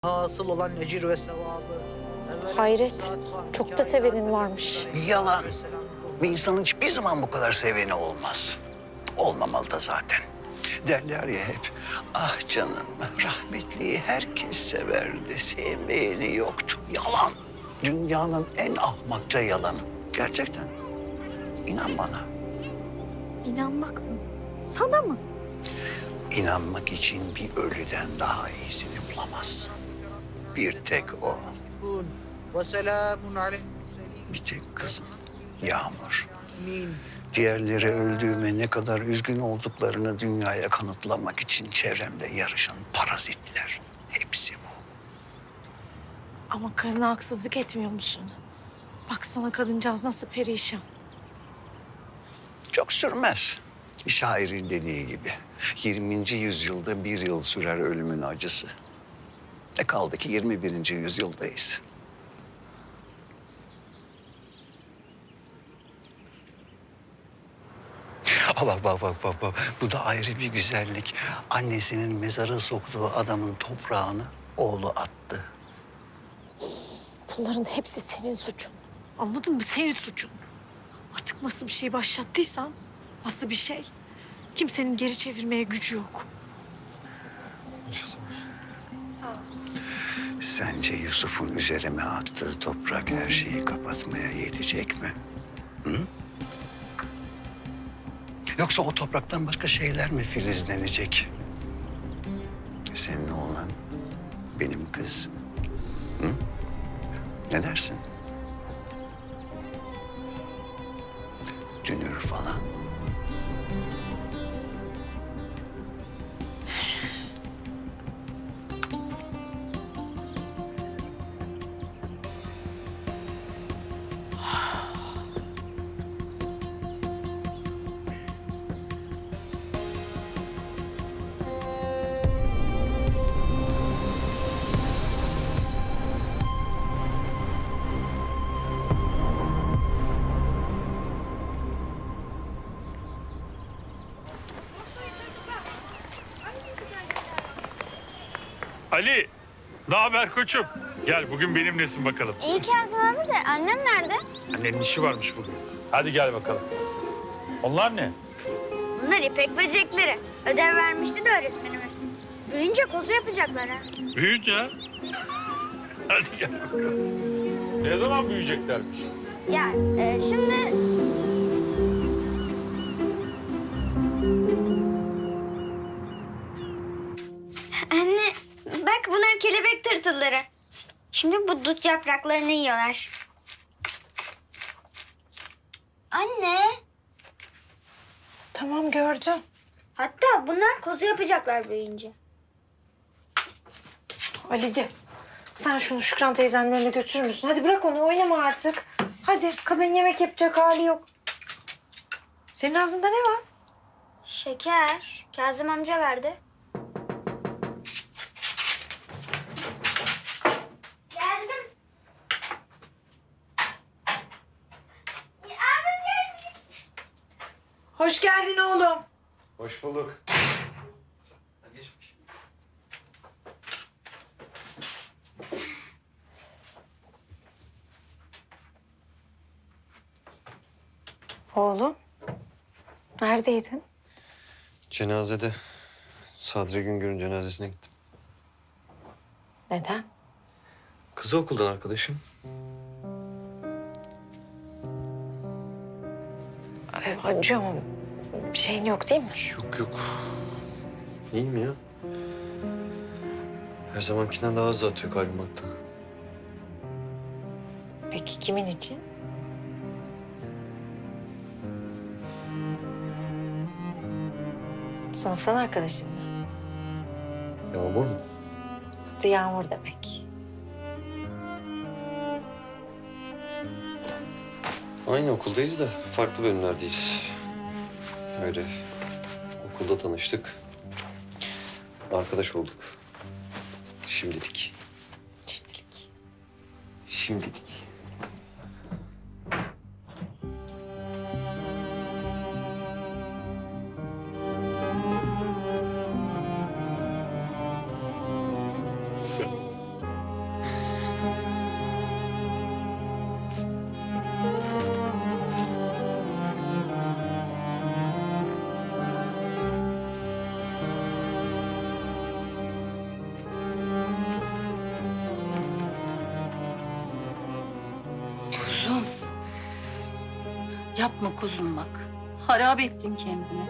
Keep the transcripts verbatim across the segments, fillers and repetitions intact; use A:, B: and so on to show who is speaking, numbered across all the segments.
A: hasıl olan ecir ve sevabı.
B: Hayret, çok da sevenin varmış.
C: Yalan. Bir insanın hiçbir zaman bu kadar seveni olmaz. Olmamalı da zaten. Derler ya hep, ah canım rahmetliyi herkes severdi, sevmeyeni yoktu. Yalan. Dünyanın en ahmakça yalanı. Gerçekten. İnan bana.
B: İnanmak mı? Sana mı?
C: İnanmak için bir ölüden daha iyisini bulamazsın. Bir tek o.
A: Ve selamun aleyhi.
C: Bir tek kızım. Yağmur.
A: Amin.
C: Diğerleri öldüğüme ne kadar üzgün olduklarını dünyaya kanıtlamak için çevremde yarışan parazitler. Hepsi bu.
B: Ama karına haksızlık etmiyor musun? Baksana kadıncağız nasıl perişan.
C: Çok sürmez. Şairin dediği gibi. yirminci yüzyılda bir yıl sürer ölümün acısı. Ne kaldı ki yirmi birinci yüzyıldayız. Aa, bak bak bak bak bak. Bu da ayrı bir güzellik. Annesinin mezara soktuğu adamın toprağını oğlu attı.
B: Bunların hepsi senin suçun. Anladın mı? Senin suçun. Artık nasıl bir şey başlattıysan, nasıl bir şey, kimsenin geri çevirmeye gücü yok. Sağ ol.
C: Sence Yusuf'un üzerime attığı toprak her şeyi kapatmaya yetecek mi? Hı? Yoksa o topraktan başka şeyler mi filizlenecek? Senin oğlan, benim kız. Hı? Ne dersin? Dünür falan.
D: Ali, ne haber koçum? Gel bugün benimlesin bakalım.
E: İyi Kazım abi de annem nerede?
D: Annenin işi varmış bugün. Hadi gel bakalım. Onlar ne?
E: Bunlar ipek böcekleri. Ödev vermişti de öğretmenimiz. Büyüyünce kozu yapacaklar ha.
D: Büyüyünce. ha? Hadi gel bakalım. Ne zaman büyüyeceklermiş?
E: Ya e, şimdi... Anne bak bunlar kelebek tırtılları. Şimdi bu dut yapraklarını yiyorlar. Anne.
B: Tamam gördüm.
E: Hatta bunlar kozu yapacaklar büyüyünce.
B: Ali'ciğim, sen şunu Şükran teyzenlerine götürür müsün? Hadi bırak onu, oynama artık. Hadi, kadın yemek yapacak hali yok. Senin ağzında ne var?
E: Şeker. Kazım amca verdi. Geldim. Ya, abim gelmiş.
B: Hoş geldin oğlum.
F: Hoş bulduk.
B: Oğlum, neredeydin?
F: Cenazede. Sadri Güngör'ün cenazesine gittim.
B: Neden?
F: Kızı okuldan arkadaşım.
B: Ee, acıyor mu? Bir şeyin yok değil mi?
F: Yok yok. İyiyim ya. Her zamankinden daha hızlı atıyor kalbim hatta.
B: Peki kimin için? Sınıftan arkadaşın mı?
F: Yağmur mu?
B: Adı Yağmur demek.
F: Aynı okuldayız da farklı bölümlerdeyiz. Öyle okulda tanıştık. Arkadaş olduk. Şimdilik.
B: Şimdilik.
F: Şimdilik.
G: Yapma kuzum bak. Harap ettin kendini.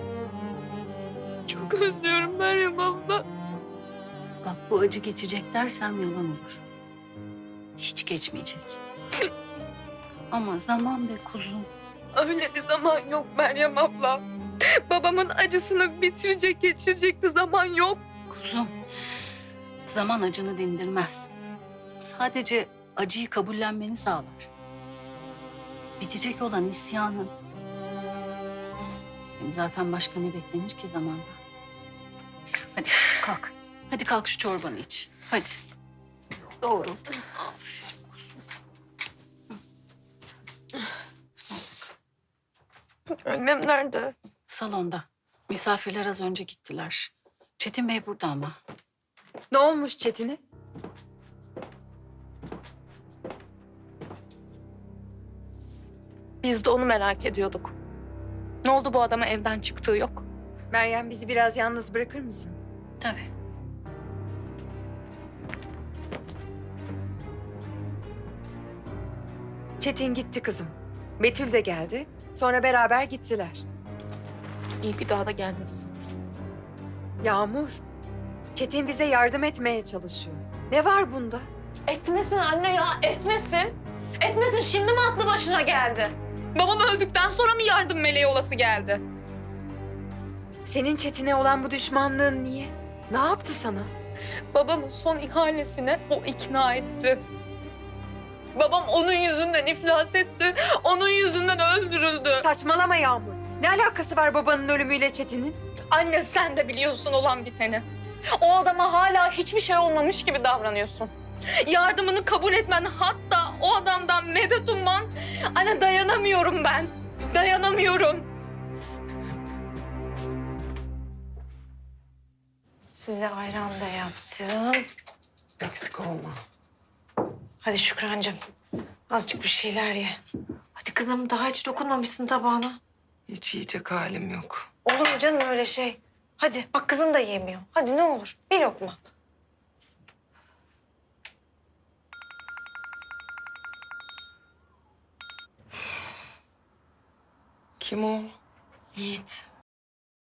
H: Çok özlüyorum Meryem abla.
G: Bak bu acı geçecek dersem yalan olur. Hiç geçmeyecek. Ama zaman be kuzum.
H: Öyle bir zaman yok Meryem abla. Babamın acısını bitirecek, geçirecek bir zaman yok.
G: Kuzum, zaman acını dindirmez. Sadece acıyı kabullenmeni sağlar. Bitecek olan isyanın. Hem zaten başka ne beklenir ki zamanda? Hadi kalk. Hadi kalk şu çorbanı iç. Hadi. Doğru. Aferin kuzum.
H: Annem nerede?
G: Salonda. Misafirler az önce gittiler. Çetin Bey burada ama.
B: Ne olmuş Çetin'e?
H: Biz de onu merak ediyorduk. Ne oldu bu adama evden çıktığı yok?
B: Meryem bizi biraz yalnız bırakır mısın?
G: Tabii.
B: Çetin gitti kızım. Betül de geldi. Sonra beraber gittiler.
H: İyi bir daha da gelmesin.
B: Yağmur, Çetin bize yardım etmeye çalışıyor. Ne var bunda?
H: Etmesin anne ya, etmesin. Etmesin, şimdi mi aklı başına geldi? Babam öldükten sonra mı yardım meleği olası geldi?
B: Senin Çetin'e olan bu düşmanlığın niye? Ne yaptı sana?
H: Babamın son ihalesine o ikna etti. Babam onun yüzünden iflas etti. Onun yüzünden öldürüldü.
B: Saçmalama Yağmur. Ne alakası var babanın ölümüyle Çetin'in?
H: Anne sen de biliyorsun olan biteni. O adama hala hiçbir şey olmamış gibi davranıyorsun. Yardımını kabul etmen, hatta o adamdan medet umman. Anne dayanamıyorum ben. Dayanamıyorum.
B: Size ayran da yaptım. Eksik olma. Hadi Şükrancığım. Azıcık bir şeyler ye. Hadi kızım daha hiç dokunmamışsın tabağına.
I: Hiç yiyecek halim yok.
B: Olur mu canım öyle şey? Hadi bak kızın da yemiyor. Hadi ne olur bir lokma.
I: Kim o?
B: Yiğit.